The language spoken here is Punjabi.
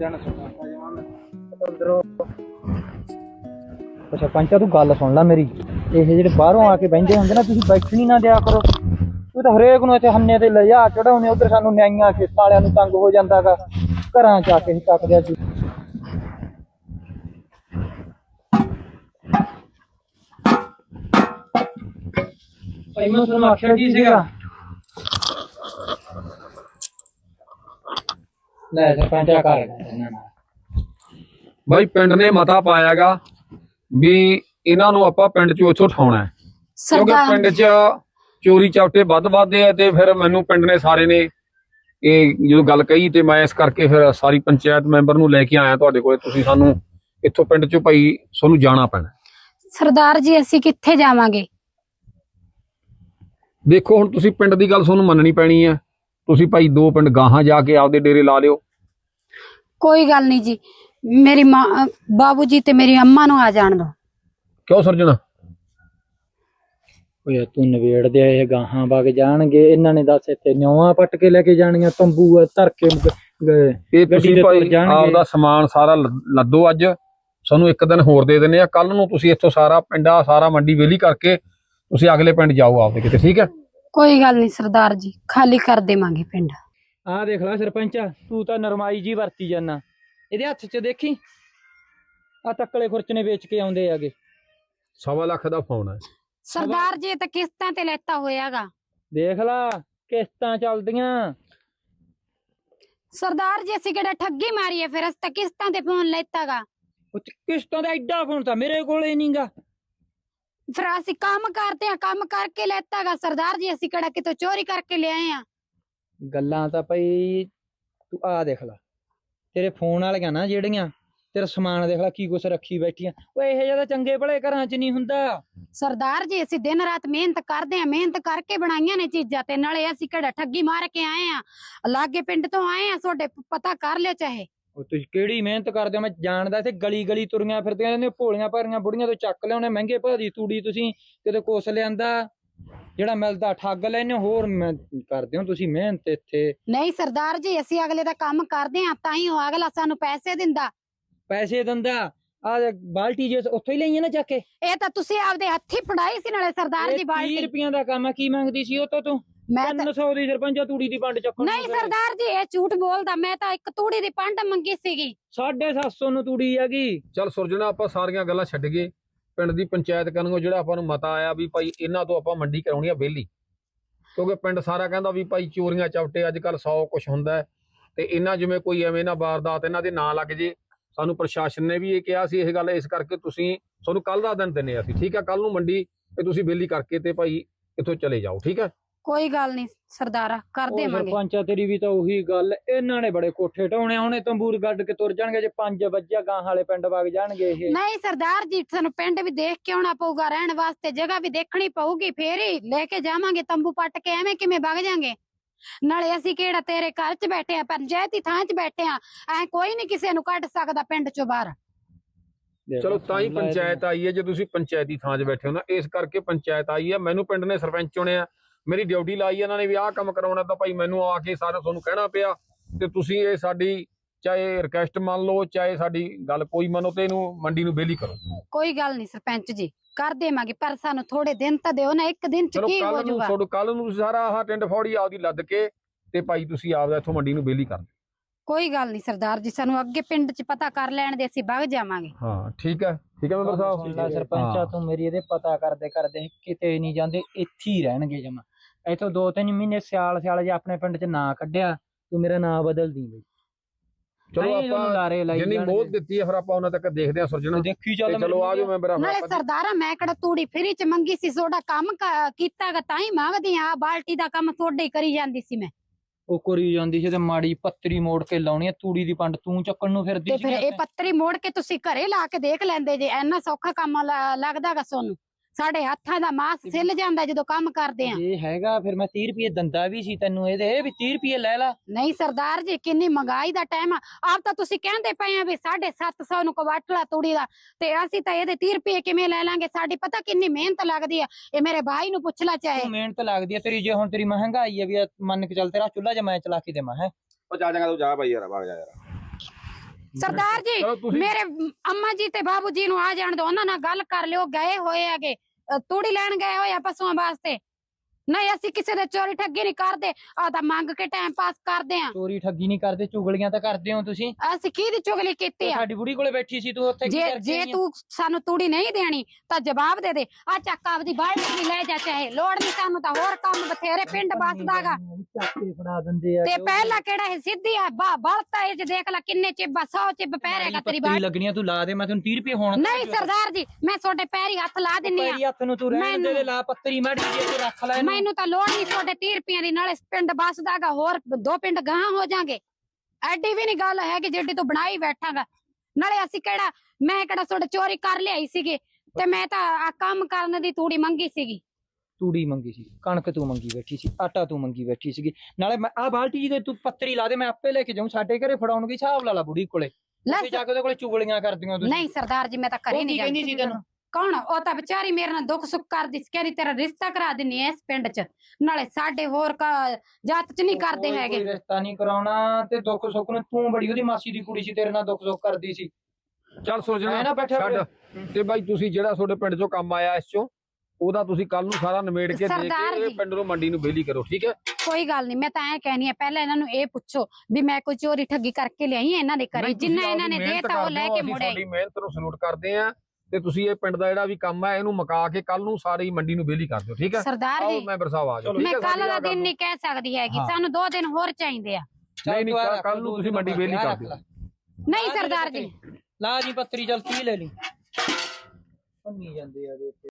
अच्छा पंचा तू गल सुन ला मेरी, ये जेडे बाहरों आके बहिंदे हुंदे ना, तुसीं बैठणी ना दिया करो। तू तो हरेक नूं इत्थे हन्ने ते लिजा चढ़ाउने, उधर सानूं न्याइयां खेतां वालियां नूं तंग हो जांदा गा, घरां च आके टकदे सी। भाई मैं तुहानूं आखिया की सीगा, ਲੈ ਸਰਪੰਚਾ ਕਰ ਇਹਨਾਂ ਨਾਲ। ਬਾਈ ਪਿੰਡ ਨੇ ਮਤਾ ਪਾਇਆਗਾ ਵੀ ਇਹਨਾਂ ਨੂੰ ਆਪਾਂ ਪਿੰਡ ਚੋਂ ਉੱਥੋਂ ਉਠਾਉਣਾ ਹੈ, ਕਿਉਂਕਿ ਪਿੰਡ 'ਚ ਚੋਰੀ ਚਾਪਟੇ ਵੱਧਦੇ ਆ। ਤੇ ਫਿਰ ਮੈਨੂੰ ਪਿੰਡ ਨੇ ਸਾਰੇ ਨੇ ਇਹ ਜਦੋਂ ਗੱਲ ਕਹੀ ਤੇ ਮੈਂ ਇਸ ਕਰਕੇ ਫਿਰ ਸਾਰੀ ਪੰਚਾਇਤ ਮੈਂਬਰ ਨੂੰ ਲੈ ਕੇ ਆਇਆ ਤੁਹਾਡੇ ਕੋਲੇ। ਤੁਸੀਂ ਸਾਨੂੰ ਇੱਥੋਂ ਪਿੰਡ 'ਚੋਂ ਭਾਈ ਤੁਹਾਨੂੰ ਜਾਣਾ ਪੈਣਾ। ਸਰਦਾਰ ਜੀ ਅਸੀਂ ਕਿੱਥੇ ਜਾਵਾਂਗੇ? ਦੇਖੋ ਹੁਣ ਤੁਸੀਂ ਪਿੰਡ ਦੀ ਗੱਲ ਤੁਹਾਨੂੰ ਮੰਨਣੀ ਪੈਣੀ ਹੈ। ਤੁਸੀਂ ਭਾਈ 2 ਪਿੰਡ ਗਾਹਾਂ ਜਾ ਕੇ ਆਪਦੇ ਡੇਰੇ ਲਾ ਲਿਓ। ਕੋਈ ਗੱਲ ਨਹੀਂ जी, मेरी माँ बाबू जी ते मेरी अम्मा ਨੂੰ ਆ ਜਾਣ ਦੋ। ਕਿਉਂ ਸਰਜਣਾ? ਓਏ ਤੂੰ ਨਵੇੜ ਦੇ, ਇਹ ਗਾਹਾਂ ਵਗ ਜਾਣਗੇ, ਇਹਨਾਂ ਨੇ ਦੱਸ ਇੱਥੇ ਨਿਉਆਂ ਪੱਟ ਕੇ ਲੈ ਕੇ ਜਾਣੀਆਂ, ਤੰਬੂ ਧਰ ਕੇ ਗਏ। ਇਹ ਤੁਸੀਂ ਭਾਈ ਆਪਦਾ ਸਮਾਨ ਸਾਰਾ ਲੱਦੋ, ਅੱਜ ਸਾਨੂੰ 1 ਦਿਨ ਹੋਰ ਦੇ ਦਿੰਦੇ ਆ। ਕੱਲ ਨੂੰ ਤੁਸੀਂ ਇੱਥੋਂ ਸਾਰਾ ਪਿੰਡਾ ਸਾਰਾ ਮੰਡੀ ਵਿਹਲੀ ਕਰਕੇ ਤੁਸੀਂ ਅਗਲੇ ਪਿੰਡ ਜਾਓ ਆਪਦੇ ਕਿਤੇ, ਠੀਕ ਹੈ? ਕੋਈ ਗੱਲ ਨਹੀਂ ਸਰਦਾਰ ਜੀ, ਖਾਲੀ ਕਰ ਦੇਵਾਂਗੇ ਪਿੰਡ। ਆਹ ਦੇਖ ਲੈ ਸਰਪੰਚਾ, ਤੂੰ ਤਾਂ ਨਰਮਾਈ ਜੀ ਵਰਤੀ ਜਾਨਾ। ਇਹਦੇ ਹੱਥ 'ਚ ਦੇਖੀ ਆ ਤੱਕਲੇ ਖੁਰਚਣੇ ਵੇਚ ਕੇ ਆਉਂਦੇ ਆਗੇ। 1.25 ਲੱਖ ਦਾ ਫੋਨ ਹੈ ਸਰਦਾਰ ਜੀ, ਤਾਂ ਕਿਸ਼ਤਾਂ ਤੇ ਲੈਤਾ ਹੋਇਆਗਾ। ਦੇਖ ਲਾ ਕਿਸ਼ਤਾਂ ਚੱਲਦੀਆਂ। ਸਰਦਾਰ ਜੀ ਅਸੀਂ ਕਿਹੜਾ ਠੱਗੀ ਮਾਰੀ ਹੈ, ਫਿਰ ਅਸੀਂ ਤਾਂ ਕਿਸ਼ਤਾਂ ਤੇ ਫੋਨ ਲੈਤਾਗਾ। ਕਿਸ਼ਤਾਂ ਦਾ ਐਡਾ ਫੋਨ ਤਾਂ ਮੇਰੇ ਕੋਲੇ ਨਹੀਂਗਾ। ਫਿਰ ਅਸੀਂ ਕੰਮ ਕਰਦੇ ਆ, ਕੰਮ ਕਰਕੇ ਲੈਤਾਗਾ ਸਰਦਾਰ ਜੀ, ਅਸੀਂ ਕਿਹੜਾ ਕਿਤੋਂ ਚੋਰੀ ਕਰਕੇ ਲਿਆਏ ਆ। ਗੱਲਾਂ ਤਾਂ ਭਾਈ ਤੂੰ ਆ ਦੇਖ ਲਾ, ਤੇਰੇ ਫੋਨ ਵਾਲੀਆਂ ਨਾ ਜਿਹੜੀਆਂ, ਤੇਰਾ ਸਮਾਨ ਦੇਖ ਲਾ ਕੀ ਕੁਛ ਰੱਖੀ ਬੈਠੀਆਂ। ਓਏ ਇਹ ਜਿਆਦਾ ਚੰਗੇ ਭਲੇ ਘਰਾਂ 'ਚ ਨਹੀਂ ਹੁੰਦਾ। ਸਰਦਾਰ ਜੀ ਅਸੀਂ ਦਿਨ ਰਾਤ ਮਿਹਨਤ ਕਰਦੇ ਆ, ਮਿਹਨਤ ਕਰਕੇ ਬਣਾਈਆਂ ਨੇ ਚੀਜ਼ਾਂ, ਤੇ ਨਾਲੇ ਅਸੀਂ ਕਿਹੜਾ ਠੱਗੀ ਮਾਰ ਕੇ ਆਏ ਆ, ਲਾਗੇ ਪਿੰਡ ਤੋਂ ਆਏ ਆ, ਤੁਹਾਡੇ ਪਤਾ ਕਰ ਲਿਓ ਚਾਹੇ। ਉਹ ਤੁਸੀਂ ਕਿਹੜੀ ਮਿਹਨਤ ਕਰਦੇ ਹੋ, ਮੈਂ ਜਾਣਦਾ। ਇੱਥੇ ਗਲੀ ਗਲੀ ਤੁਰੀਆਂ ਫਿਰਦੀਆਂ ਨੇ ਭੋਲੀਆਂ ਭਾਰੀਆਂ ਬੁੜੀਆਂ ਤੋਂ ਚੱਕ ਲਿਆਉਣੇ ਮਹਿੰਗੇ ਭਾਅ ਦੀ ਤੂੜੀ, ਤੁਸੀਂ ਕਿਤੇ ਕੁਛ ਲਿਆਂਦਾ ਜਿਹੜਾ ਮਿਲਦਾ ਠੱਗ ਲੈਨੇ ਹੋਰ। ਮੈਂ ਕਰਦੇ ਹੋ ਤੁਸੀਂ ਮਿਹਨਤ ਇੱਥੇ। ਨਹੀਂ ਸਰਦਾਰ ਜੀ, ਅਸੀਂ ਅਗਲੇ ਦਾ ਕੰਮ ਕਰਦੇ ਆ, ਤਾਂ ਹੀ ਉਹ ਅਗਲਾ ਸਾਨੂੰ ਪੈਸੇ ਦਿੰਦਾ। ਪੈਸੇ ਦਿੰਦਾ? ਆ ਬਾਲਟੀ ਜੇ ਉੱਥੋਂ ਹੀ ਲਈਆਂ ਨਾ ਚੱਕ ਕੇ। ਇਹ ਤਾਂ ਤੁਸੀਂ ਆਪਦੇ ਹੱਥੀ ਫੜਾਈ ਸੀ ਨਾਲੇ ਸਰਦਾਰ ਜੀ ਬਾਲਟੀ। 30 ਰੁਪਈਆਂ ਦਾ ਕੰਮ ਆ, ਕੀ ਮੰਗਦੀ ਸੀ ਉਹ ਤੋਂ ਤੂੰ? ਮੈਂ 300 ਦੀ ਸਰਪੰਚਾ ਤੂੜੀ ਦੀ ਪੰਡ ਚੱਕਣ। ਨਹੀਂ ਸਰਦਾਰ ਜੀ, ਇਹ ਝੂਠ ਬੋਲਦਾ, ਮੈਂ ਤਾਂ ਇੱਕ ਤੂੜੀ ਦੀ ਪੰਡ ਮੰਗੀ ਸੀਗੀ। 750 ਨੂੰ ਤੂੜੀ ਹੈਗੀ। ਚੱਲ ਸੁਰਜਣਾ, ਆਪਾਂ ਸਾਰੀਆਂ ਗੱਲਾਂ ਛੱਡ ਗਏ। ਪਿੰਡ ਦੀ ਪੰਚਾਇਤ ਕਰਨੋਂ ਜਿਹੜਾ ਆਪਾਂ ਨੂੰ ਮਤਾ ਆਇਆ ਵੀ ਭਾਈ ਇਹਨਾਂ ਤੋਂ ਆਪਾਂ ਮੰਡੀ ਕਰਾਉਣੀ ਆ ਵਿਹਲੀ, ਕਿਉਂਕਿ ਪਿੰਡ ਸਾਰਾ ਕਹਿੰਦਾ ਵੀ ਭਾਈ ਚੋਰੀਆਂ ਚਾਪਟੇ ਅੱਜ ਕੱਲ 100 ਕੁਛ ਹੁੰਦਾ ਹੈ, ਤੇ ਇਹਨਾਂ ਜਿਵੇਂ ਕੋਈ ਐਵੇਂ ਨਾ ਵਾਰਦਾਤ ਇਹਨਾਂ ਦੇ ਨਾਂ ਲੱਗ ਜੇ। ਸਾਨੂੰ ਪ੍ਰਸ਼ਾਸਨ ਨੇ ਵੀ ਇਹ ਕਿਹਾ ਸੀ ਇਹ ਗੱਲ, ਇਸ ਕਰਕੇ ਤੁਸੀਂ ਤੁਹਾਨੂੰ ਕੱਲ ਦਾ ਦਿਨ ਦਿੰਨੇ ਅਸੀਂ, ਠੀਕ ਹੈ? ਕੱਲ ਨੂੰ ਮੰਡੀ ਤੇ ਤੁਸੀਂ ਵਿਹਲੀ ਕਰਕੇ ਤੇ ਭਾਈ ਇੱਥੋਂ ਚਲੇ ਜਾਓ, ਠੀਕ ਹੈ? ਕੋਈ ਗੱਲ ਨਹੀਂ ਸਰਦਾਰਾ, ਕਰ ਦੇਵਾਂਗੇ। ਸਰਪੰਚਾ ਤੇਰੀ ਵੀ ਤਾਂ ਉਹੀ ਗੱਲ, ਇਹਨਾਂ ਨੇ ਬੜੇ ਕੋਠੇ ਢਾਉਣੇ, ਹੁਣੇ ਤੰਬੂਰ ਗੱਡ ਕੇ ਤੁਰ ਜਾਣਗੇ। ਜੇ 5 ਵਜੇ ਗਾਂ ਵਾਲੇ ਪਿੰਡ ਵਗ ਜਾਣਗੇ ਇਹ। ਨਹੀਂ ਸਰਦਾਰ ਜੀ, ਸਾਨੂੰ ਪਿੰਡ ਵੀ ਦੇਖ ਕੇ ਆਉਣਾ ਪਊਗਾ, ਰਹਿਣ ਵਾਸਤੇ ਜਗ੍ਹਾ ਵੀ ਦੇਖਣੀ ਪਊਗੀ, ਫੇਰ ਹੀ ਲੈ ਕੇ ਜਾਵਾਂਗੇ ਤੰਬੂ ਪੱਟ ਕੇ। ਐਵੇਂ ਕਿਵੇਂ ਵਗ ਜਾਾਂਗੇ? ਨਾਲੇ ਅਸੀਂ ਕਿਹੜਾ ਤੇਰੇ ਘਰ 'ਚ ਬੈਠੇ ਆ, ਪੰਚਾਇਤੀ ਥਾਂ 'ਚ ਬੈਠੇ ਆ, ਐ ਕੋਈ ਨਹੀਂ ਕਿਸੇ ਨੂੰ ਕੱਢ ਸਕਦਾ ਪਿੰਡ 'ਚੋਂ ਬਾਹਰ। ਚਲੋ ਤਾਂ ਹੀ ਪੰਚਾਇਤ ਆਈ ਹੈ, ਜੇ ਤੁਸੀਂ ਪੰਚਾਇਤੀ ਥਾਂ 'ਚ ਬੈਠੇ ਹੋ ਨਾ, ਇਸ ਕਰਕੇ ਪੰਚਾਇਤ ਆਈ ਹੈ। ਮੈਨੂੰ ਪਿੰਡ ਨੇ ਸਰਪੰਚ ਚੁਣਿਆ, ਮੇਰੀ ਡਿਊਟੀ ਲਾਈ ਇਹਨਾਂ ਨੇ ਵੀ ਆਹ ਕੰਮ ਕਰਾਉਣਾ, ਤਾਂ ਭਾਈ ਮੈਨੂੰ ਆ ਕੇ ਸਾਰਾ ਤੁਹਾਨੂੰ ਕਹਿਣਾ ਪਿਆ। ਤੇ ਤੁਸੀਂ ਇਹ ਸਾਡੀ ਚਾਹੇ ਰਿਕਵੈਸਟ ਮੰਨ ਲਓ, ਚਾਹੇ ਸਾਡੀ ਗੱਲ ਕੋਈ ਮੰਨੋ, ਤੇ ਇਹਨੂੰ ਮੰਡੀ ਨੂੰ ਵਿਹਲੀ ਕਰੋ। ਕੋਈ ਗੱਲ ਨਹੀਂ ਸਰਪੰਚ ਜੀ, ਕਰ ਦੇਵਾਂਗੇ, ਪਰ ਸਾਨੂੰ ਥੋੜੇ ਦਿਨ ਤਾਂ ਦਿਓ ਨਾ, 1 ਦਿਨ 'ਚ ਕੀ ਹੋ ਜਾਊਗਾ? ਕੱਲ ਨੂੰ ਸਾਰਾ ਆਹ ਟਿੰਡ ਫੌੜੀ ਆਪਦੀ ਲੱਦ ਕੇ ਤੇ ਭਾਈ ਤੁਸੀਂ ਆਪਦਾ ਇੱਥੋਂ ਮੰਡੀ ਨੂੰ ਵਿਹਲੀ ਕਰ ਦਿਓ। ਕੋਈ ਗੱਲ ਨਹੀਂ ਸਰਦਾਰ ਜੀ, ਸਾਨੂੰ ਅੱਗੇ ਪਿੰਡ 'ਚ ਪਤਾ ਕਰ ਲੈਣ ਦੇ, ਅਸੀਂ ਵਗ ਜਾਵਾਂਗੇ। ਹਾਂ ਠੀਕ ਹੈ, ਠੀਕ ਹੈ ਮੈਂਬਰ ਸਾਹਿਬ। ਸਰਪੰਚਾ ਤੂੰ ਮੇਰੀ ਇਹਦੇ ਪਤਾ ਕਰਦੇ ਕਿਤੇ ਨਹੀਂ ਜਾਂਦੇ, ਇੱਥੇ ਹੀ ਰਹਿਣਗੇ ਜਮਾ। ਇੱਥੋਂ 2-3 ਮਹੀਨੇ ਸਿਆਲ ਜੇ ਆਪਣੇ ਪਿੰਡ 'ਚ ਨਾਂ ਕੱਢਿਆ, ਤੂੰ ਮੇਰਾ ਨਾਂ ਬਦਲ ਦੀ ਬਈ। ਚਲੋ ਆਪਾਂ ਜਿੰਨੀ ਮੋਹਲਤ ਦਿੱਤੀ ਹੈ ਫਿਰ ਆਪਾਂ ਉਹਨਾਂ ਤੱਕ ਦੇਖਦੇ ਹਾਂ ਸੁਰਜਣਾ, ਦੇਖੀ ਚੱਲ। ਚਲੋ ਆ ਜਾਓ ਮੈਂਬਰ। ਨਾਲੇ ਸਰਦਾਰਾ ਮੈਂ ਕਿਹੜਾ ਤੂੜੀ ਫਰੀ 'ਚ ਮੰਗੀ ਸੀ, ਤੁਹਾਡਾ ਕੰਮ ਕੀਤਾਗਾ ਤਾਂ ਹੀ ਮੰਗਦੀ ਆ। ਬਾਲਟੀ ਦਾ ਕੰਮ ਤੁਹਾਡੇ ਹੀ ਕਰੀ ਜਾਂਦੀ ਸੀ ਮੈਂ। ਉਹ ਕਰੀ ਜਾਂਦੀ ਸੀ ਤੇ ਮਾੜੀ ਪੱਤਰੀ ਮੋੜ ਕੇ ਲਾਉਣੀ, ਤੂੜੀ ਦੀ ਪੰਡ ਤੂੰ ਚੱਕਣ ਨੂੰ ਫਿਰਦੀ ਸੀ। ਤੇ ਫਿਰ ਇਹ ਪੱਤਰੀ ਮੋੜ ਕੇ ਤੁਸੀਂ ਘਰੇ ਲਾ ਕੇ ਦੇਖ ਲੈਂਦੇ ਜੇ, ਇੰਨਾ ਸੌਖਾ ਕੰਮ ਲੱਗਦਾਗਾ ਤੁਹਾਨੂੰ? ਸਾਡੇ ਹੱਥਾਂ ਦਾ ਮਾਸ ਸਿੱਲ ਜਾਂਦਾ ਜਦੋਂ ਕੰਮ ਕਰਦੇ ਆ। ਇਹ ਹੈਗਾ ਫਿਰ ਮੈਂ 30 ਰੁਪਏ ਦੰਦਾ ਵੀ ਸੀ ਤੈਨੂੰ ਇਹਦੇ, ਵੀ 30 ਰੁਪਏ ਲੈ ਲਾ। ਨਹੀਂ ਸਰਦਾਰ ਜੀ, ਕਿੰਨੀ ਮਹਿੰਗਾਈ ਦਾ ਟਾਈਮ ਆ, ਆਪ ਤਾਂ ਤੁਸੀਂ ਕਹਿੰਦੇ ਪਏ ਆ ਵੀ 750 ਨੂੰ ਕਵਾਟਲਾ ਤੂੜੀ ਦਾ, ਤੇ ਅਸੀਂ ਤਾਂ ਇਹਦੇ 30 ਰੁਪਏ ਕਿਵੇਂ ਲੈ ਲਾਂਗੇ? ਸਾਡੀ ਪਤਾ ਕਿੰਨੀ ਮਿਹਨਤ ਲੱਗਦੀ ਆ, ਇਹ ਮੇਰੇ ਭਾਈ ਨੂੰ ਪੁੱਛ ਲੈ ਚਾਹੇ। ਮਿਹਨਤ ਲੱਗਦੀ ਆ ਤੇਰੀ, ਜੇ ਹੁਣ ਤੇਰੀ ਮਹਿੰਗਾਈ ਆ ਵੀ ਮੰਨ ਕੇ ਚੱਲ, ਤੇਰਾ ਚੁੱਲ੍ਹਾ ਜੇ ਮੈਂ ਚਲਾ ਕੇ ਦੇਵਾਂ ਹੈ। ਉਹ ਜਾ ਤੂੰ ਜਾ ਭਾਈ ਯਾਰ, ਵਗ ਜਾ ਯਾਰ। ਸਰਦਾਰ ਜੀ ਚਲੋ ਤੁਸੀਂ- ਮੇਰੇ ਅੰਮਾ ਜੀ ਤੇ ਬਾਬੂ ਜੀ ਨੂੰ ਆ ਜਾਣ ਦੋ, ਉਹਨਾਂ ਨਾਲ ਗੱਲ ਕਰ ਲਿਓ। ਗਏ ਹੋਏ ਹੈਗੇ ਤੂੜੀ ਲੈਣ ਗਏ ਹੋਏ ਆ ਪਸ਼ੂਆਂ ਵਾਸਤੇ। ਨਹੀਂ ਅਸੀਂ ਕਿਸੇ ਦੇ ਚੋਰੀ ਠੱਗੀ ਨਹੀਂ ਕਰਦੇ, ਆ ਤਾਂ ਮੰਗ ਕੇ ਟਾਈਮ ਪਾਸ ਕਰਦੇ ਆ। ਚੋਰੀ ਠੱਗੀ ਨਹੀਂ ਕਰਦੇ, ਚੁਗਲੀਆਂ ਤਾਂ ਕਰਦੇ ਹੋ ਤੁਸੀਂ। ਅਸੀਂ ਕਿਹਦੀ ਚੁਗਲੀ ਕੀਤੀ ਆ? ਸਾਡੀ ਬੁੜੀ ਕੋਲੇ ਬੈਠੀ ਸੀ ਤੂੰ ਉੱਥੇ, ਕੀ ਜੇ ਕਰਕੇ ਜੇ ਆਈ ਆਂ? ਤੂੰ ਸਾਨੂੰ ਤੂੜੀ ਨਹੀਂ ਦੇਣੀ ਤਾਂ ਜਵਾਬ ਦੇ ਦੇ। ਆ ਚੱਕ ਆਪਦੀ ਬਾਲਟੀ ਵੀ ਲੈ ਜਾ, ਚਾਹੇ ਲੋੜ ਨਹੀਂ ਸਾਨੂੰ ਤਾਂ ਹੋਰ ਕੰਮ ਬਥੇਰੇ ਪਿੰਡ ਬਸਦਾਗਾ। ਚੱਕ ਕੇ ਫੜਾ ਦਿੰਦੇ ਆ ਤੇ ਪਹਿਲਾਂ ਕਿਹੜਾ ਇਹ ਸਿੱਧੀ ਆ ਬਲਤਾ ਇਹ ਚ ਦੇਖ ਲੈ ਕਿੰਨੇ ਚਿੱਬ 100 ਚਿੱਬ ਪੈਰੇਗਾ ਤੇਰੀ ਬਾਲਟੀ। ਲੱਗਣੀਆਂ ਤੂੰ ਲਾ ਦੇ, ਮੈਂ ਤੈਨੂੰ 30 ਰੁਪਏ ਹੁਣ ਨਹੀਂ ਸਰਦਾਰ ਜੀ ਮੈਂ ਤੁਹਾਡੇ ਪੈਰੀ ਹੱਥ ਲਾ ਦਿੰਨੀ ਆ। ਪੈਰੀ ਹੱਥ ਨੂੰ ਤੂੰ ਰਹਿਣ ਦੇ, ਲਾ ਪੱਤਰੀ ਮਾੜੀ ਜੀ ਤੂੰ ਰੱਖ ਲੈ ਇਹਨੂੰ। ਮੈਨੂੰ ਤਾਂ ਲੋੜ ਨਹੀਂ ਤੁਹਾਡੇ 30 ਰੁਪਈਆਂ ਦੀ, ਨਾਲੇ ਪਿੰਡ ਬਸਦਾਗਾ, ਹੋਰ 2 ਪਿੰਡ ਗਾਂ ਹੋ ਜਾਾਂਗੇ। ਐਡੀ ਵੀ ਨਹੀਂ ਗੱਲ ਹੈ ਕਿ ਜਿੱਡੀ ਤੂੰ ਬਣਾਈ ਬੈਠਾਗਾ। ਨਾਲੇ ਅਸੀਂ ਕਿਹੜਾ, ਮੈਂ ਕਿਹੜਾ ਤੁਹਾਡੇ ਚੋਰੀ ਕਰ ਲਿਆਈ ਸੀਗੀ, ਤੇ ਮੈਂ ਤਾਂ ਆ ਕੰਮ ਕਰਨ ਦੀ ਤੂੜੀ ਮੰਗੀ ਸੀਗੀ। ਤੂੜੀ ਮੰਗੀ ਸੀ, ਕਣਕ ਤੂੰ ਮੰਗੀ ਬੈਠੀ ਸੀ, ਆਟਾ ਤੂੰ ਮੰਗੀ ਬੈਠੀ ਸੀਗੀ। ਨਾਲੇ ਮੈਂ ਆ ਬਾਲਟੀ ਜੀ ਤੇ ਤੂੰ ਪੱਤਰੀ ਲਾ ਦੇ, ਮੈਂ ਆਪੇ ਲੈ ਕੇ ਜਾਊਂ। ਸਾਡੇ ਘਰੇ ਫੜਾਉਣਗੇ, ਹਿਸਾਬ ਲਾ ਲਾ ਬੁੜੀ ਕੋਲੇ। ਉੱਥੇ ਜਾ ਕੇ ਉਹਦੇ ਕੋਲੇ ਚੁਗਲੀਆਂ ਕਰਦੀਆਂ ਤੁਸੀਂ। ਨਹੀਂ ਸਰਦਾਰ ਜੀ ਮੈਂ ਤਾਂ ਘਰੇ ਨਹੀਂ ਕਹਿੰਦੀ ਸੀ ਤੈਨੂੰ? ਕੌਣ? ਉਹ ਤਾਂ ਵਿਚਾਰੀ ਮੇਰੇ ਨਾਲ ਦੁੱਖ ਸੁੱਖ ਕਰਦੀ ਸੀ, ਕਹਿੰਦੀ ਤੇਰਾ ਰਿਸ਼ਤਾ ਕਰਾ ਦਿੰਨੀ ਐ ਇਸ ਪਿੰਡ 'ਚ। ਨਾਲੇ ਸਾਡੇ ਹੋਰ ਜਾਤ 'ਚ ਨਹੀਂ ਕਰਦੇ ਹੈਗੇ। ਕੋਈ ਰਿਸ਼ਤਾ ਨਹੀਂ ਕਰਾਉਣਾ, ਤੇ ਦੁੱਖ ਸੁੱਖ ਨੂੰ ਤੂੰ ਬੜੀ ਉਹਦੀ ਮਾਸੀ ਦੀ ਕੁੜੀ ਸੀ, ਤੇਰੇ ਨਾਲ ਦੁੱਖ ਸੁੱਖ ਕਰਦੀ ਸੀ। ਚੱਲ ਸੋਚਣਾ ਐ ਨਾ ਬੈਠਿਆ ਛੱਡ। ਤੇ ਬਾਈ ਤੁਸੀਂ ਜਿਹੜਾ ਤੁਹਾਡੇ ਪਿੰਡ ਚੋਂ ਕੰਮ ਆਇਆ ਇਸ ਚੋਂ, ਉਹਦਾ ਤੁਸੀਂ ਕੱਲ ਨੂੰ ਸਾਰਾ ਨਿਬੇੜ ਕੇ ਦੇ ਸਰਦਾਰ ਕੇ ਜੀ। ਪਿੰਡ ਨੂੰ ਮੰਡੀ ਨੂੰ ਵਿਹਲੀ ਕਰੋ, ਠੀਕ ਹੈ? ਕੋਈ ਗੱਲ ਨਹੀਂ, ਮੈਂ ਤਾਂ ਐ ਕਹਿਣੀ ਆ, ਪਹਿਲਾਂ ਇਹਨਾਂ ਨੂੰ ਇਹ ਪੁੱਛੋ ਵੀ ਮੈਂ ਕੋਈ ਚੋਰੀ ਠੱਗੀ ਕਰਕੇ ਲਿਆਈ ਐ ਇਹਨਾਂ ਦੇ ਘਰੇ? ਨਹੀਂ, ਤੁਸੀਂ ਜਿੰਨਾ ਇਹਨਾਂ ਨੇ ਆਪਦੀ ਮਿਹਨਤ ਦੇਤਾ ਉਹ ਲੈ ਕਰਦੇ ਕੇ ਹੋ, ਮੁੜੇ। ਅਸੀਂ ਤੁਹਾਡੀ ਮਿਹਨਤ ਨੂੰ ਸਲੂਟ ਕਰਦੇ ਆ। ਤੇ ਤੁਸੀਂ ਇਹ ਪਿੰਡ ਦਾ ਜਿਹੜਾ ਵੀ ਕੰਮ ਹੈ ਇਹਨੂੰ ਮੁਕਾ ਕੇ ਕੱਲ ਨੂੰ ਸਾਰੀ ਮੰਡੀ ਨੂੰ ਵਿਹਲੀ ਕਰ ਦਿਓ, ਠੀਕ ਹੈ? ਸਰਦਾਰ ਆਓ ਜੀ ਮੈਂਬਰ ਸਾਹਿਬ ਆ ਜਾਓ। ਮੈਂ ਕੱਲ ਦਾ ਦਿਨ ਨਹੀਂ ਕਹਿ ਸਕਦੀ ਹੈਗੀ, ਹਾਂ। ਸਾਨੂੰ 2 ਦਿਨ ਹੋਰ ਚਾਹੀਦੇ ਆ। ਨਹੀਂ ਨਹੀਂ ਕੱਲ ਨੂੰ ਤੁਸੀਂ ਮੰਡੀ ਵਿਹਲੀ ਕਰ ਦਿਓ। ਨਹੀਂ ਸਰਦਾਰ ਜੀ ਲਾ ਜੀ ਪੱਤਰੀ, ਚੱਲ 30 ਲੈ ਲਈ। ਪੰਨੀ ਜਾਂਦੇ ਆ